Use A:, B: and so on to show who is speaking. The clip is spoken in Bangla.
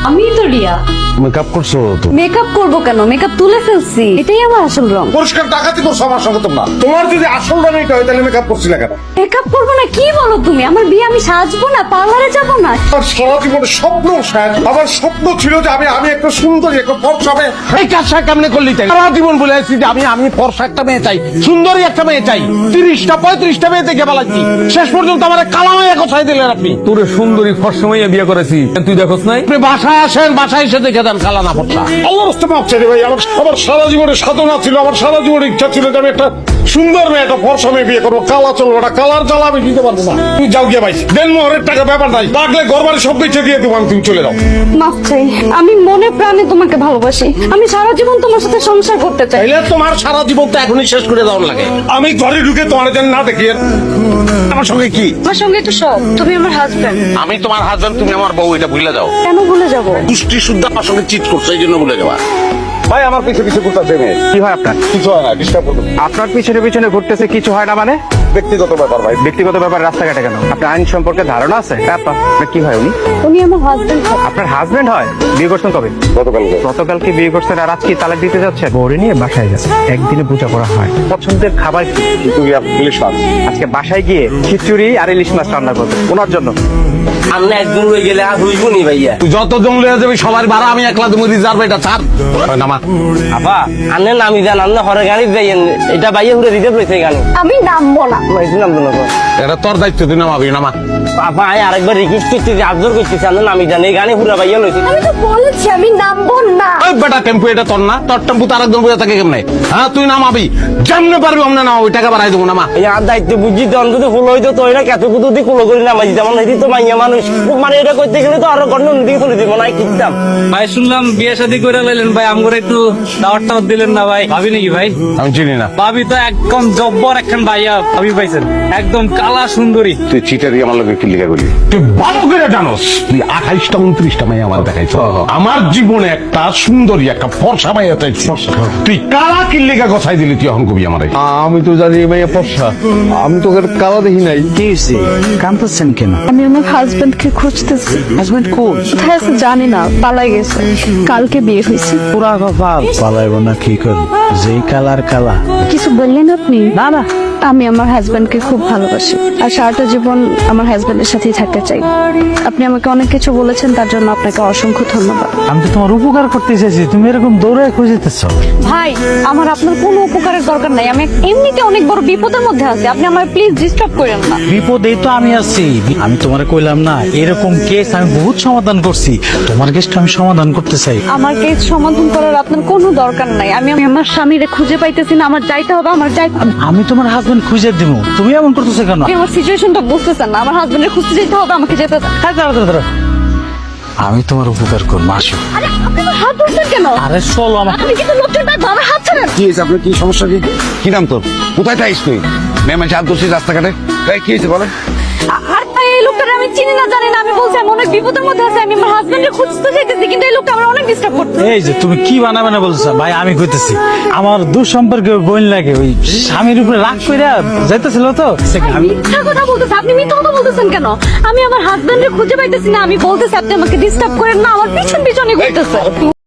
A: আমি তো রিয়া।
B: মেকআপ করছো তো?
A: মেকআপ করবো কেন, মেকআপ তুলে ফেলছি, এটাই আমার আসল রং।
B: পরিষ্কার ডাকাতি করছো আমার সঙ্গে তোমরা। তোমার যদি আসল রং এটা হয় তাহলে মেকআপ করছিলে কেন?
A: মেকআপ করবো না কি বলো তুমি? আমার বিয়ে, আমি সাজবো না, পার্লারে যাবো না?
B: আমার সারা জীবনে স্বপ্ন শেষ। আমার স্বপ্ন ছিল যে আমি একটা সুন্দরী একটা ফর্সা মেয়ে। এই কাজটা কেমনে করলি তাই? সারা জীবন বলে আসছি যে আমি ফর্সা একটা মেয়ে চাই, সুন্দরী একটা মেয়ে চাই। 30টা 35টা মেয়ে দেখে বেলাচ্ছি, শেষ পর্যন্ত আমার কালা মেয়ে কোথায় দিলেন আপনি?
C: তোরে সুন্দরী ফর্সা মেয়ে বিয়ে করেছি, তুই দেখোস নাই?
B: আপনি বাসায় আসেন, বাসায় এসে দেখে দেন কালা না ফর্সা। আল্লাহর রাস্তা মাপ চাই রে ভাই। আমার সারা জীবনে সাধনা ছিল, আমার সারা জীবনে ইচ্ছা ছিল যে আমি একটা সুন্দর মেয়ে একটা ফর্সা মেয়ে বিয়ে করবো। কালা চলবো না, কালার জ্বালা আমি দিতে পারবো না। তুমি যাও গিয়ে ভাই, দেন মোহরের টাকা ব্যাপার নাই, লাগলে ঘরবাড়ি সব বেঁচে দিয়ে দেবো আমি, তুমি চলে যাও।
A: মাফ চাই, আমি মনে প্রাণে তোমাকে ভালোবাসি, আমি সারা জীবন তোমার সাথে সংসার করতে চাই।
B: তাইলে তোমার সারা জীবন তো এখনই শেষ করে দেওয়ার লাগে। আমি ঘরে ঢুকে তোমার যেন না দেখি আমার সঙ্গে কি?
A: আমার সঙ্গে একটু সব, তুমি আমার হাজবেন্ড।
B: আমি তোমার হাজবেন্ড, তুমি আমার বউ, এটা ভুলে যাও।
A: কেন ভুলে যাবো?
B: পুষ্টি শুদ্ধ আমার সঙ্গে চিট করছে, এই জন্য ভুলে যাওয়া। ভাই আমার পিছনে পিছনে ঘুরতে মেয়ে,
D: কি হয় আপনার?
B: কিছু হয় না, ডিস্টার্ব করবে।
D: আপনার পিছনে পিছনে ঘুরতেছে, কিছু হয় না মানে?
B: ব্যক্তিগত ব্যাপার ভাই।
D: ব্যক্তিগত ব্যাপার রাস্তাঘাটে কেন? আপনার আইন সম্পর্কে ধারণা আছে? আপনার কি হয় উনি?
A: উনি আমার হাজবেন্ড।
D: আপনার হাজবেন্ড হয়? বিয়ে করছেন কবে? গতকালকে বিয়ে করছেন, আর আজকে তালাক দিতে যাচ্ছে? বউরে নিয়ে বাসায় যাচ্ছে, একদিনে পূজা করা হয়। পছন্দের খাবার কি?
B: ইলিশ মাছ।
D: আজকে বাসায় গিয়ে খিচুড়ি আর ইলিশ মাছ রান্না করবে ওনার জন্য।
E: আমরা একদম হয়ে গেলে আর হইব নি ভাইয়া।
B: তুই যত জঙ্গলে যাবি সবার ভাড়া আমি একলা তুমি রিজার্ভ, এটা ছাড়। নামা
E: আবা আনে নামি যান, আন্না হরে গাড়ি যাইয়েন, এটা বাইয়ে ঘুরে দিতে পেরেছে গান।
A: আমি নামবো না।
E: মাইছি নাম না তো
B: এটা তোর দায়িত্ব, তুই নামাবি। নামা
E: আপা আয় আরেকবার রিকোয়েস্ট করতেছি, আবজর করতেছি, আন্না নামি যান, এই গানে পুরা বাইয়া লইছি।
A: আমি তো বলেছি আমি নামবো না।
B: ওই বেটা টেম্পু এটা তোর না, তোর টেম্পু তো আরেকজন বুঝে থাকে কেমনে? হ্যাঁ তুই নামাবি, যেমনে পারবি অমনে নামাবি, টাকা বাড়াই দেবো। নামা
E: এই আর দায়িত্ব বুঝছি তো, অন্তত ফুল হইতো তো এটা কত কুতু দিয়ে কুলো করি নামাই, যেমন হইতি তো মাইয়া মানুষ, মানে এটা করতে গেলে তো আরো গন্ড দিয়ে তুলে দিব না কিনতাম।
F: ভাই শুনলাম বিয়ে শাদী করে লাইলেন ভাই, আমগরে একটু দাওয়াত টাওয়াত দিলেন না ভাই? ভাবি নাকি ভাই?
B: আমি চিনি না।
F: ভাবি তো একদম জব্বর একখান ভাইয়া ভাবি পাইছেন, একদম কালা সুন্দরী।
B: তুই চিটারি আমার লোকের কি লিখা করলি? তুই ভালো করে জানোস তুই 28টা 29টা মেয়ে আমার দেখাইছ। আমার জীবনে একটা সুন্দরী একটা ফর্সা মেয়ে চাইছি, তুই কালা কিল্লিকা গছাই দিলি। তুই এখন কবি আমারে?
C: আমি তো জানি মেয়ে ফর্সা, আমি তোকে কালা দেখি নাই।
D: কি হয়েছে? কাঁদতেছেন কেন?
A: আমি আমার হাজবেন্ডকে খুঁজতেছি।
D: হাজবেন্ড কোন?
A: কোথায় আছে জানি না, পালাই গেছে, কালকে বিয়ে হয়েছে।
D: পুরা কপাল। পালাইব না কি করবো, যেই কালার কালা।
A: কিছু বললেন আপনি?
D: না না,
A: আমি আমার হাজবেন্ডকে খুব ভালোবাসি আর সারাটা জীবন আমার হাজবেন্ডের সাথেই থাকতে চাই। আপনি আমাকে অনেক কিছু বলেছেন, তার জন্য আপনাকে অসংখ্য ধন্যবাদ।
D: আমি তো তোমার উপকার করতে চাইছি, তুমি এরকম দৌড়ে খুঁজিতেছ।
A: ভাই আমার আপনার কোনো উপকারের দরকার নাই, আমি এমনিতে অনেক বড় বিপদের মধ্যে আছি, আপনি আমার প্লিজ ডিস্টার্ব করেন না।
G: বিপদেই তো আমি আছি। আমি তোমারে কইলাম না, এরকম কেস আমি বহুত সমাধান করছি, তোমার কেসটা আমি সমাধান করতে চাই।
A: আমার কেস সমাধান করার আপনার কোনো দরকার নাই। আমি আমার স্বামীরে খুঁজে পাইতেছি না, আমার যাইতে হবে, আমার যাইতে হবে।
G: আমি তোমার হাজবেন্ড খুঁজে দিব, তুমি এমন করতেছো কেন?
A: আপনি আমার সিচুয়েশনটা বুঝতেছেন না, আমার হাজবেন্ডের খুঁজতে যেতে হবে, আমাকে যেতে হবে।
G: হ্যাঁ, দাঁড়া দাঁড়া দাঁড়া। আমি তোমার উপকার করবো, আসো।
A: আরে আপনি আমার হাত ধরছেন কেন?
G: আরে চলো আমার।
A: আপনি কিন্তু লোকটার ডাকবো, আমার হাত ছাড়েন।
B: কি হয়েছে আপনার? কি সমস্যা? কি নাম তোর? কোথায় থাইস তুই? মেয়ে মানুষ হাত ধরছিস রাস্তাঘাটে, কি হয়েছে বলেন?
A: আর ভাই এই লোকটার আমি চিনি না জানি না, আমি বলছি আমি অনেক বিপদের মধ্যে আছি, আমি আমার হাজবেন্ডের খুঁজতে চাইতেছি, কিন্তু এই লোকটা আমার অনেক ডিস্টার্ব করছে।
G: এই যে তুমি কি বানাবে বলছো ভাই, আমি কইতেছি আমার দুঃসম্পর্কে বোন লাগে, ওই স্বামীর উপরে রাগ কইরা যাইতেছিল তো। আমি
A: মিথ্যা কথা বলতেছে, আপনি মিথ্যা কথা বলতেছেন কেন? আমি আমার হাজবেন্ডের খুঁজে পাইতেছি না, আমি বলতেছি আপনি আমাকে ডিস্টার্ব করেন না, আমার পিছন পিছনে ঘুরতেছে।